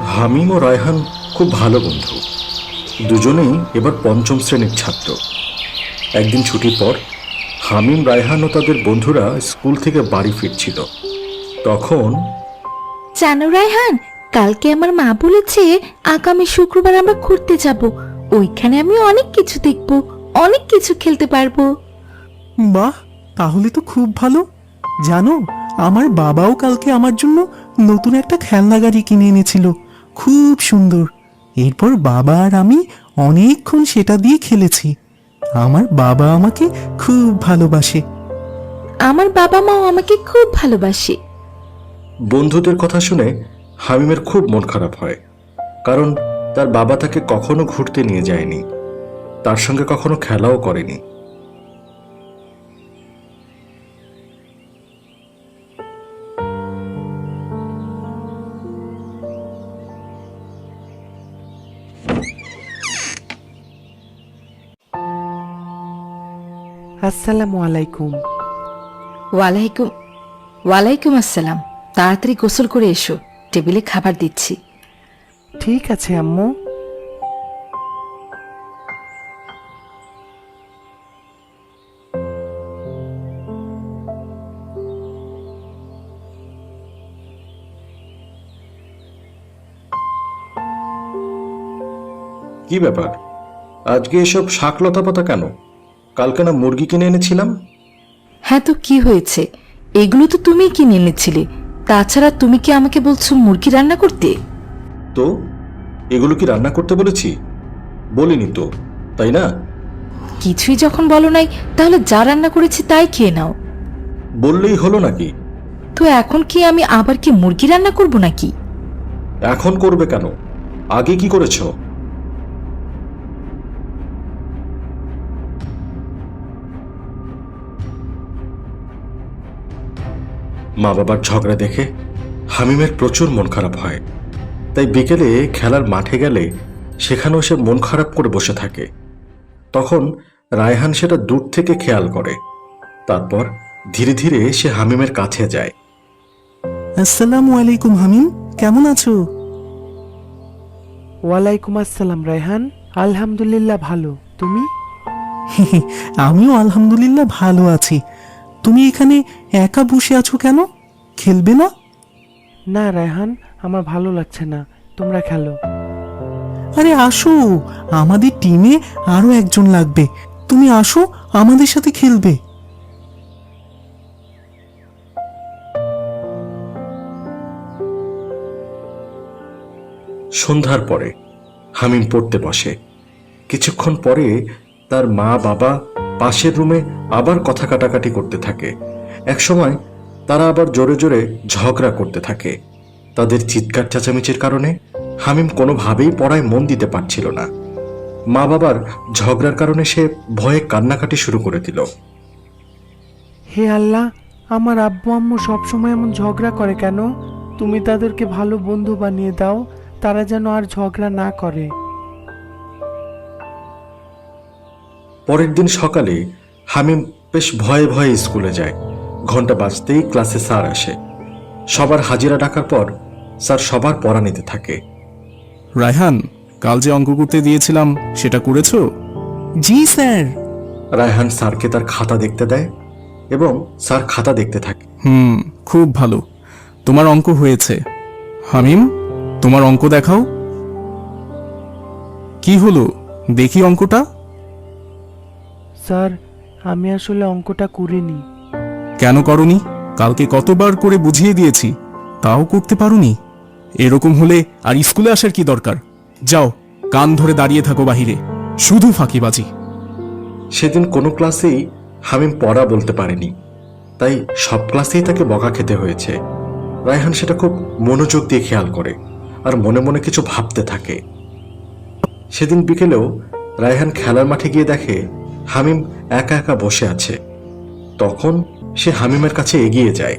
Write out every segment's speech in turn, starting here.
হামিম ও রায়হান খুব ভালো বন্ধু। দুজনেই এবার পঞ্চম শ্রেণীর ছাত্র। একদিন ছুটির পর হামিম, রায়হান ও তাদের বন্ধুরা স্কুল থেকে বাড়ি ফিরছিল। তখন জানো রায়হান, কালকে আমার মা বলেছে আগামী শুক্রবার আমরা ঘুরতে যাব। ওইখানে আমি অনেক কিছু দেখব, অনেক কিছু খেলতে পারবো। বাহ, তাহলে তো খুব ভালো। জানো, আমার বাবাও কালকে আমার জন্য নতুন একটা খেলনা গাড়ি কিনে এনেছিল, খুব সুন্দর। এরপর বাবা আর আমি অনেকক্ষণ সেটা দিয়ে খেলেছি। আমার বাবা আমাকে খুব ভালোবাসে। আমার বাবা মাও আমাকে খুব ভালোবাসে। বন্ধুদের কথা শুনে হামিমের খুব মন খারাপ হয়, কারণ তার বাবা তাকে কখনো ঘুরতে নিয়ে যায়নি, তার সঙ্গে কখনো খেলাও করেনি। আসসালামু আলাইকুম। ওয়ালাইকুম ওয়ালাইকুম আসসালাম। তাড়াতাড়ি গোসল করে এসো, টেবিলে খাবার দিচ্ছি। ঠিক আছে আম্মু। কি ব্যাপার, আজকে এসব শাক লতা পাতা কেন? কালকে না মুরগি কিনে এনেছিলাম? হ্যাঁ, তো কি হয়েছে? এগুলো তো তুমিই কিনে এনেছিলে। তাছাড়া তুমি কি আমাকে বলছো মুরগি রান্না করতে? তো এগুলো কি রান্না করতে বলেছি? বলিনি তো, তাই না? কিছুই যখন বলো নাই, তাহলে যা রান্না করেছি তাই খেয়ে নাও। বললেই হলো নাকি? তো এখন কি আমি আবার কি মুরগি রান্না করব নাকি? এখন করবে কেন? আগে কি করেছো? মা বাবার ঝগড়া দেখে হামিমের প্রচুর মন খারাপ হয়। তাই বিকেলে খেলার মাঠে গেলে সেখানেও সে মন খারাপ করে বসে থাকে। তখন রায়হান সেটা দূর থেকে খেয়াল করে। তারপর ধীরে ধীরে সে হামিমের কাছে যায়। আসসালামু আলাইকুম হামিম, কেমন আছো? ওয়ালাইকুম আসসালাম রায়হান, আলহামদুলিল্লাহ ভালো। তুমি? আমিও আলহামদুলিল্লাহ ভালো আছি। তুমি এখানে একা বসে আছো কেন? খেলবে না? না রায়হান, আমার ভালো লাগছে না, তোমরা খেলো। আরে আসো, আমাদের টিমে আরো একজন লাগবে। তুমি আসো, আমাদের সাথে খেলবে। সন্ধ্যার পরে হামিম পড়তে বসে। কিছুক্ষণ পরে তার মা বাবা পাশের রুমে আবার কথা কাটাকাটি করতে থাকে। একসময় তারা আবার জোরে জোরে ঝগড়া করতে থাকে। তাদের চিৎকার চেঁচামেচির কারণে হামিম কোনোভাবেই পড়ায় মন দিতে পারছিল না। মা বাবার ঝগড়ার কারণে সে ভয়ে কান্নাকাটি শুরু করে দিল। হে আল্লাহ, আমার আব্বু আম্মু সবসময় এমন ঝগড়া করে কেন? তুমি তাদেরকে ভালো বন্ধু বানিয়ে দাও, তারা যেন আর ঝগড়া না করে। পরের দিন সকালে হামিম বেশ ভয়ে ভয়ে স্কুলে যায়। ঘন্টা বাজতেই ক্লাসে স্যার আসে। সবার হাজিরা ডাকার পর স্যার সবার পড়া নিতে থাকে। রায়হান, কাল যে অঙ্ক করতে দিয়েছিলাম সেটা করেছো? জি স্যার। রায়হান স্যারকে তার খাতা দেখতে দেয় এবং স্যার খাতা দেখতে থাকে। খুব ভালো, তোমার অঙ্ক হয়েছে। হামিম, তোমার অঙ্ক দেখাও। কি হলো, দেখি অঙ্কটা। স্যার, আমি আসলে অঙ্কটা করিনি। কেন করনি? কালকে কতবার করে বুঝিয়ে দিয়েছি, তাও করতে পারোনি? এরকম হলে আর স্কুলে আসার কি দরকার? যাও, কান ধরে দাঁড়িয়ে থাকো বাহিরে, শুধু ফাঁকিবাজি। সেদিন কোনো ক্লাসেই হামিম পড়া বলতে পারেনি, তাই সব ক্লাসেই তাকে বকা খেতে হয়েছে। রায়হান সেটা খুব মনোযোগ দিয়ে খেয়াল করে আর মনে মনে কিছু ভাবতে থাকে। সেদিন বিকেলেও রায়হান খেলার মাঠে গিয়ে দেখে হামিম একা একা বসে আছে। তখন সে হামিমের কাছে এগিয়ে যায়।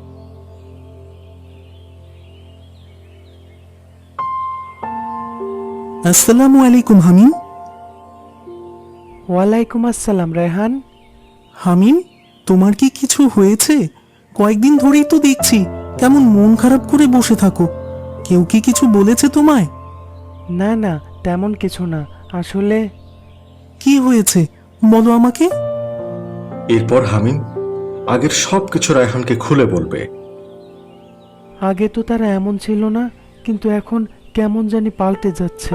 আসসালামু আলাইকুম হামিম। ওয়ালাইকুম আসসালাম রায়হান। হামিম, তোমার কি কিছু হয়েছে? কয়েকদিন ধরেই তো দেখছি কেমন মন খারাপ করে বসে থাকো। কেউ কি কিছু বলেছে তোমায়? না না, তেমন কিছু না। আসলে কি হয়েছে বলো আমাকে। এরপর হামিম আগের সব কিছু রায়হানকে খুলে বলবে। আগে তো তারা এমন ছিল না, কিন্তু এখন কেমন জানি পাল্টে যাচ্ছে।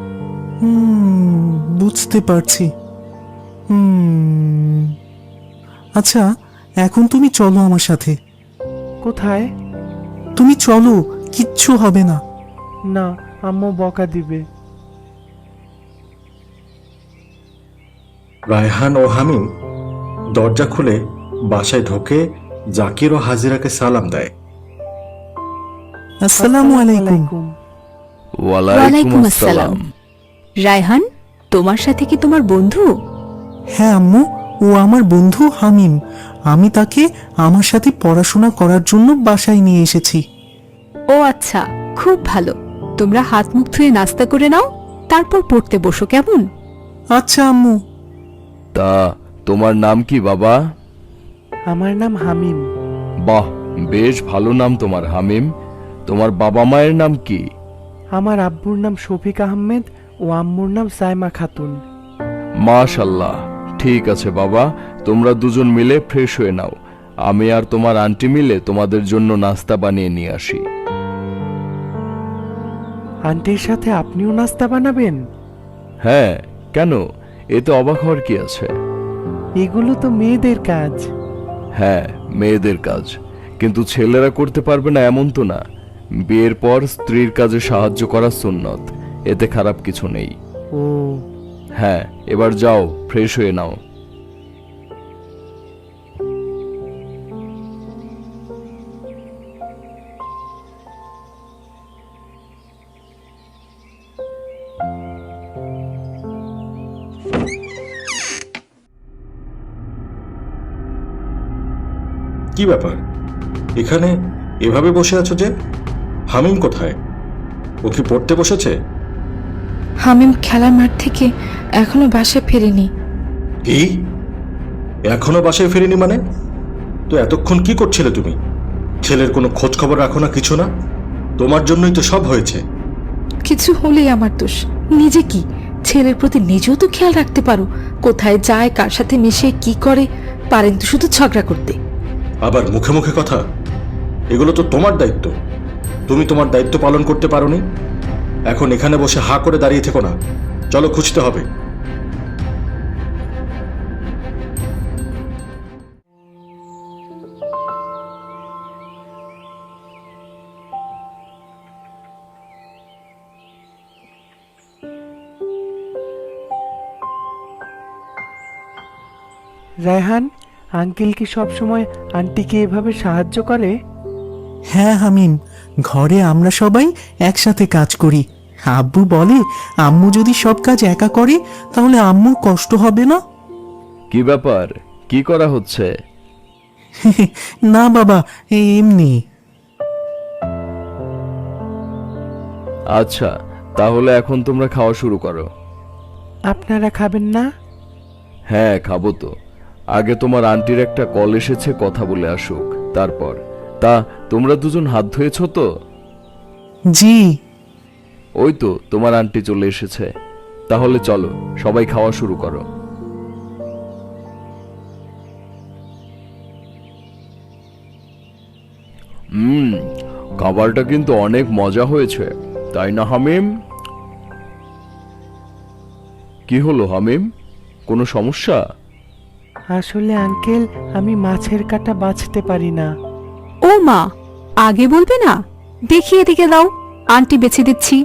বুঝতে পারছি। আচ্ছা, এখন তুমি চলো আমার সাথে। কোথায়? তুমি চলো, কিচ্ছু হবে না। না, আম্মু বকা দিবে। রায়হান ও হামিম দরজা খুলে বাসায় ঢোকে জাকির ও হাজিরাকে সালাম দেয়। আসসালামু আলাইকুম। ওয়ালাইকুম আসসালাম। রায়হান, তোমার সাথে কি তোমার বন্ধু? হ্যাঁ আম্মু, ও আমার বন্ধু হামিম। আমি তাকে আমার সাথে পড়াশোনা করার জন্য বাসায় নিয়ে এসেছি। ও আচ্ছা, খুব ভালো। তোমরা হাত মুখ ধুয়ে নাস্তা করে নাও, তারপর পড়তে বসো, কেমন? আচ্ছা আম্মু। তা তোমার নাম কি বাবা? আমার নাম হামিম। বাহ, বেশ ভালো নাম তোমার হামিম। তোমার বাবা মায়ের নাম কি? আমার আব্বুর নাম শফিক আহমেদ ও আম্মুর নাম সাইমা খাতুন। মাশাল্লাহ, ঠিক আছে বাবা, তোমরা দুজন মিলে ফ্রেশ হয়ে নাও। আমি আর তোমার আন্টি মিলে তোমাদের জন্য নাস্তা বানিয়ে নিয়ে আসি। আন্টির সাথে আপনিও নাস্তা বানাবেন? হ্যাঁ, কেন? এতে অবাক হওয়ার কি আছে? এগুলো তো মেয়েদের কাজ। হ্যাঁ, মেয়েদের কাজ, কিন্তু ছেলেরা করতে পারবে না এমন তো না। বিয়ের পর স্ত্রীর কাজে সাহায্য করা সুন্নত, এতে খারাপ কিছু নেই। ও, হ্যাঁ, এবার যাও, ফ্রেশ হয়ে নাও। কি ব্যাপার, এখানে এভাবে বসে আছো যে? হামিম কোথায়? ও কি পড়তে বসেছে? হামিম খেলার মাঠ থেকে এখনো বাসায় ফেরেনি। কি? এখনো বাসায় ফেরেনি মানে? তো এতক্ষণ কি করছিলে তুমি? ছেলের কোনো খোঁজ খবর রাখো না, কিছু না? তোমার জন্যই তো সব হয়েছে। কিছু হলেই আমার দোষ। নিজে কি, ছেলের প্রতি নিজেও তো খেয়াল রাখতে পারো। কোথায় যায়, কার সাথে মিশে, কি করে। পারেন তো শুধু ঝগড়া করতে। আবার মুখে মুখে কথা? এগুলো তো তোমার দায়িত্ব। তুমি তোমার দায়িত্ব পালন করতে পারোনি। এখন এখানে বসে হা করে দাঁড়িয়ে থেকো না, চলো খুঁজতে হবে। রায়হান, আঙ্কেল কি সবসময় আন্টিকে এভাবে সাহায্য করে? হ্যাঁ হামিম, ঘরে আমরা সবাই একসাথে কাজ করি। আব্বু বলে আম্মু যদি সব কাজ একা করে তাহলে আম্মুর কষ্ট হবে না। কি ব্যাপার, কি করা হচ্ছে? না বাবা, এমনি। আচ্ছা, তাহলে এখন তোমরা খাওয়া শুরু করো। আপনারা খাবেন না? হ্যাঁ, খাবো তো। আগে তোমার আন্টির একটা কল এসেছে, কথা বলে আসুক, তারপর। তা তোমরা দুজন হাত ধুয়েছ তো? জি। ওই তো তোমার আন্টি চলে এসেছে। তাহলে চলো, সবাই খাওয়া শুরু করো। খাবারটা কিন্তু অনেক মজা হয়েছে, তাই না হামিম? কি হলো হামিম, কোনো সমস্যা? আসলে আঙ্কেল, আমি মাছের কাঁটা বাছতে পারি না। ও মা, আগে বলবে না? দেখিয়ে এদিকে দাও, আন্টি বেছে দিচ্ছি।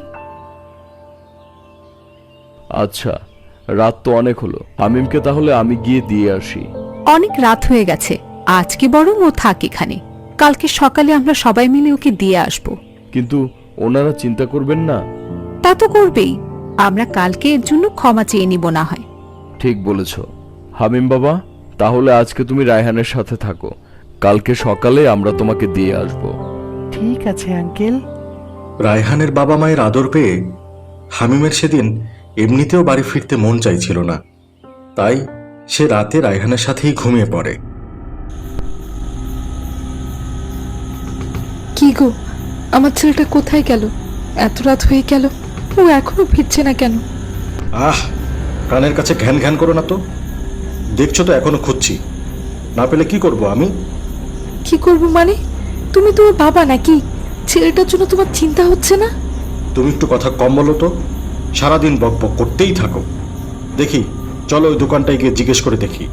আচ্ছা, রাত তো অনেক হলো, হামিমকে তাহলে আমি গিয়ে দিয়ে আসি। অনেক রাত হয়ে গেছে, আজকে বরং ও থাক এখানে। কালকে সকালে আমরা সবাই মিলে ওকে দিয়ে আসব। কিন্তু ওনারা চিন্তা করবেন না? তা তো করবেই। আমরা কালকে এর জন্য ক্ষমা চেয়ে নিব না হয়। ঠিক বলেছ হামিম বাবা, তাহলে আজকে তুমি রায়হানের সাথে থাকো, কালকে সকালে আমরা তোমাকে দিয়ে আসব। ঠিক আছে আঙ্কেল। রায়হানের বাবা মায়ের আদর পেয়ে হামিমের সেদিন এমনিতেও বাড়ি ফিরতে মন চাইছিল না, তাই সে রাতে রায়হানের সাথেই ঘুমিয়ে পড়ে। কি গো, আমার ছেলেটা কোথায় গেল? এত রাত হয়ে গেল, ও এখনো ফিরছে না কেন? আহ, কানের কাছে ঘ্যান ঘ্যান করো না তো। দেখছো তো এখনো খুঁজছি, না পেলে কি করব আমি? কি করব মানে? তুমি তো ওর বাবা নাকি? ছেলেটার জন্য তোমার চিন্তা হচ্ছে না? তুমি একটু কথা কম বলো তো, সারাদিন বক বক করতেই থাকো। দেখি, চলো ওই দোকানটায় গিয়ে জিজ্ঞেস করে দেখি।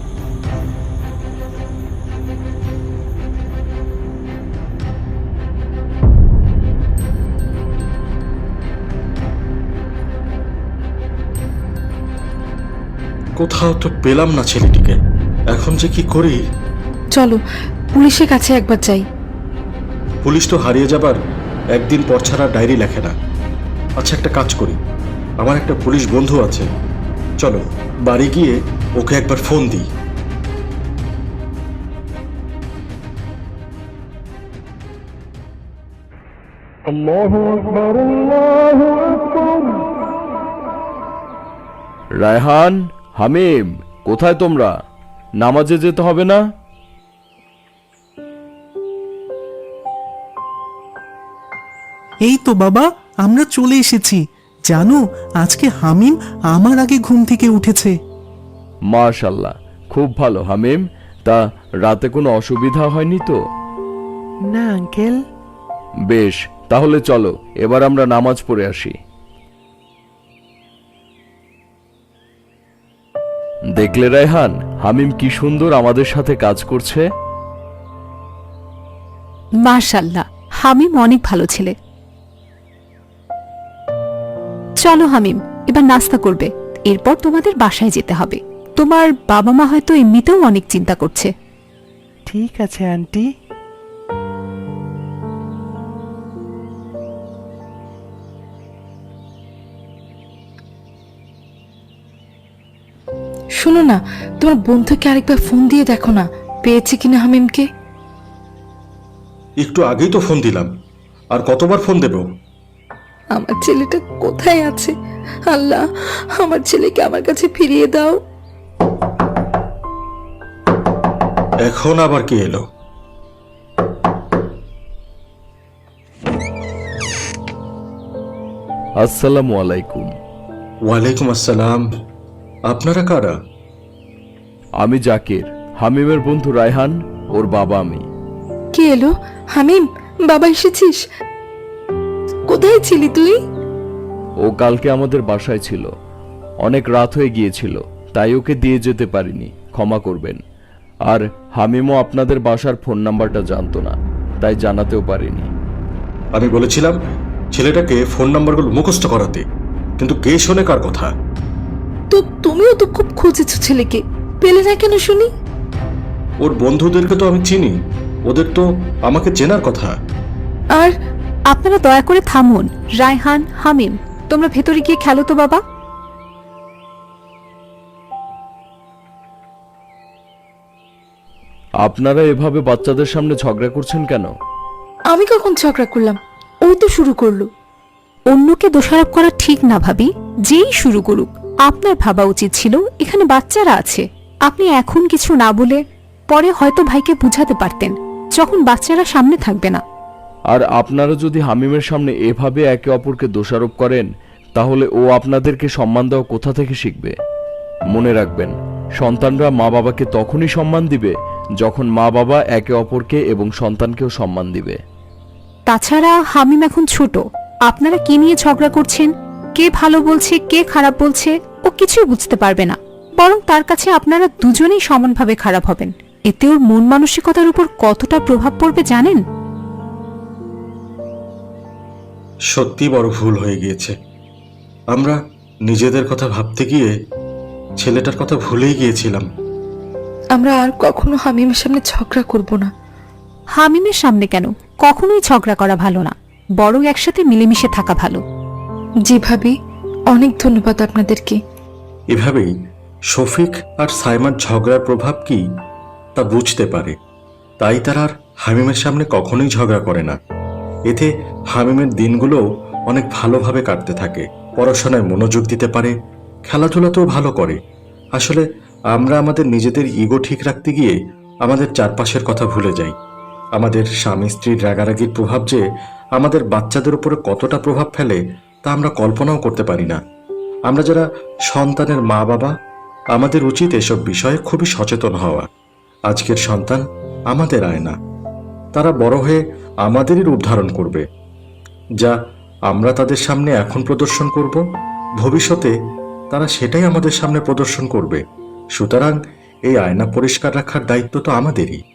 কোথাও তো পেলাম না ছেলেটিকে, এখন যে কি করি। চলো পুলিশের কাছে একবার যাই। পুলিশ তো হারিয়ে যাবার একদিন পর ছাড়া ডায়েরি লেখে না। আচ্ছা, একটা কাজ করি, আমার একটা পুলিশ বন্ধু আছে, চলো বাড়ি গিয়ে ওকে একবার ফোন দিই। রায়হান, হামিম, কোথায় তোমরা? নামাজে যেতে হবে না? এই তো বাবা, আমরা চলে এসেছি। জানো, আজকে হামিম আমার আগে ঘুম থেকে উঠেছে। মাশাল্লাহ, খুব ভালো হামিম। তা রাতে কোনো অসুবিধা হয়নি তো? না আঙ্কেল। বেশ, তাহলে চলো এবার আমরা নামাজ পড়ে আসি। দেখলে রায়হান, হামিম কি সুন্দর আমাদের সাথে কাজ করছে। মাশাল্লাহ, হামিম অনেক ভালো ছেলে। চলো হামিম, এবার নাস্তা করবে, এরপর তোমাদের বাসায় যেতে হবে। তোমার বাবা মা হয়তো এমনিতেও অনেক চিন্তা করছে। ঠিক আছে আন্টি। শোনো না, তোমার বন্ধুকে আরেকবার ফোন দিয়ে দেখো না, পেয়েছে কিনা হামিমকে। একটু আগেই তো ফোন দিলাম, আর কতবার ফোন দেব? আমার ছেলেটা কোথায় আছে? আল্লাহ, আমার ছেলেকে আমার কাছে ফিরিয়ে দাও। এখন আবার কি এলো? আসসালামু আলাইকুম। ওয়ালাইকুম আসসালাম। আপনারা কারা? আমি জাকির, হামিমের বন্ধু রায়হান, ওর বাবা আমি। কে এলো? হামিম, বাবা এসেছিস? কোথায় ছিলি তুই? ও কালকে আমাদের বাসায় ছিল, অনেক রাত হয়ে গিয়েছিল, তাই ওকে দিয়ে যেতে পারিনি, ক্ষমা করবেন। আর হামিমও আপনাদের বাসার ফোন নাম্বারটা জানতো না, তাই জানাতেও পারিনি। আমি বলেছিলাম ছেলেটাকে ফোন নাম্বারগুলো মুখস্থ করাতে, কিন্তু কে শোনে কার কথা? তো তুমিও তো খুব খুঁজেছো ছেলেকে, পেলে না কেন শুনি? ওর বন্ধুদেরকে তো আমি চিনি, ওদের তো আমাকে চেনার কথা। আর আপনারা দয়া করে থামুন। রায়হান, হামিম, তোমরা ভেতরে গিয়ে খেলো তো বাবা। আপনারা এভাবে বাচ্চাদের সামনে ঝগড়া করছেন কেন? আমি কখন ঝগড়া করলাম? ওই তো শুরু করলো। অন্যকে দোষারোপ করা ঠিক না ভাবি, যেই শুরু করুক। আপনার ভাবা উচিত ছিল এখানে বাচ্চারা আছে, আপনি এখন কিছু না বলে পরে হয়তো ভাইকে বুঝাতে পারতেন, যখন বাচ্চারা সামনে থাকবে না। আর আপনারা যদি হামিমের সামনে এভাবে একে অপরকে দোষারোপ করেন, তাহলে ও আপনাদেরকে সম্মান দেওয়া কোথা থেকে শিখবে? মনে রাখবেন, সন্তানরা মা বাবাকে তখনই সম্মান দিবে যখন মা বাবা একে অপরকে এবং সন্তানকেও সম্মান দিবে। তাছাড়া হামিম এখন ছোট, আপনারা কি নিয়ে ঝগড়া করছেন, কে ভালো বলছে কে খারাপ বলছে, ও কিছুই বুঝতে পারবে না। বরং তার কাছে আপনারা দুজনেই সমানভাবে খারাপ হবেন। এতে ওর মন মানসিকতার উপর কতটা প্রভাব পড়বে জানেন? সত্যি বড় ভুল হয়ে গিয়েছে। আমরা নিজেদের কথা ভাবতে গিয়ে ছেলেটার কথা ভুলেই গিয়েছিলাম। আমরা আর কখনো হামিমের সামনে ঝগড়া করব না। হামিমের সামনে কেন, কখনোই ঝগড়া করা ভালো না, বরং একসাথে মিলেমিশে থাকা ভালো। জি ভাবি, অনেক ধন্যবাদ আপনাদেরকে। এভাবেই শফিক আর সাইমার ঝগড়ার প্রভাব কি তা বুঝতে পারে, তাই তারা আর হামিমের সামনে কখনোই ঝগড়া করে না। এতে হামিমের দিনগুলো অনেক ভালোভাবে কাটতে থাকে, পড়াশোনায় মনোযোগ দিতে পারে, খেলাধুলাতেও ভালো করে। আসলে আমরা আমাদের নিজেদের ইগো ঠিক রাখতে গিয়ে আমাদের চারপাশের কথা ভুলে যাই। আমাদের স্বামী স্ত্রীর রাগারাগির প্রভাব যে আমাদের বাচ্চাদের উপরে কতটা প্রভাব ফেলে তা আমরা কল্পনাও করতে পারি না। আমরা যারা সন্তানের মা বাবা, আমাদের উচিত এসব বিষয়ে খুবই সচেতন হওয়া। আজকের সন্তান আমাদের আয়না, তারা বড় হয়ে আমাদেরই রূপ ধারণ করবে। যা আমরা তাদের সামনে এখন প্রদর্শন করব, ভবিষ্যতে তারা সেটাই আমাদের সামনে প্রদর্শন করবে। সুতরাং এই আয়না পরিষ্কার রাখার দায়িত্ব তো আমাদেরই।